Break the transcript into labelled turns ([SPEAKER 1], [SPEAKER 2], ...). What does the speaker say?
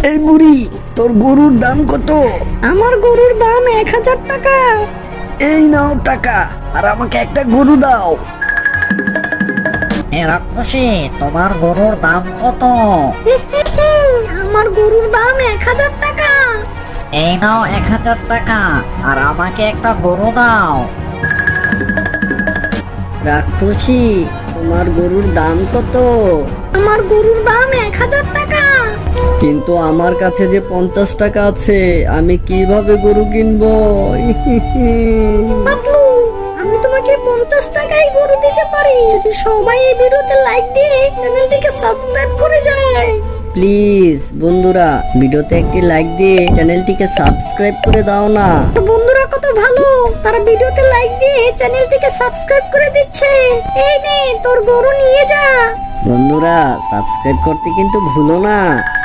[SPEAKER 1] এই বুড়ি, তোর গরুর দাম কত?
[SPEAKER 2] আমার গরুর দাম 1000 টাকা।
[SPEAKER 1] এই নাও টাকা, আর আমাকে একটা গরু দাও।
[SPEAKER 3] রাক্ষসী, তোমার গরুর দাম কত?
[SPEAKER 2] আমার গরুর দাম 1000 টাকা।
[SPEAKER 3] এই নাও 1000 টাকা, আর আমাকে একটা গরু দাও।
[SPEAKER 4] রাক্ষসী, তোমার গরুর দাম কত?
[SPEAKER 2] আমার গরুর দাম 1000 টাকা।
[SPEAKER 4] কিন্তু আমার কাছে যে 50 টাকা আছে, আমি কিভাবে গরু কিনবো?
[SPEAKER 2] পাতলু, আমি তোমাকে 50 টাকায় গরু দিতে পারি যদি সবাই এই ভিডিওতে লাইক দিয়ে চ্যানেলটিকে সাবস্ক্রাইব করে যায়।
[SPEAKER 4] প্লিজ বন্ধুরা, ভিডিওতে একটি লাইক দিয়ে চ্যানেলটিকে সাবস্ক্রাইব করে দাও না।
[SPEAKER 2] তো বন্ধুরা কত ভালো, তারা ভিডিওতে লাইক দিয়ে চ্যানেলটিকে সাবস্ক্রাইব করে দিচ্ছে। এই নে তোর গরু নিয়ে যা।
[SPEAKER 4] বন্ধুরা, সাবস্ক্রাইব করতে কিন্তু ভুলো না।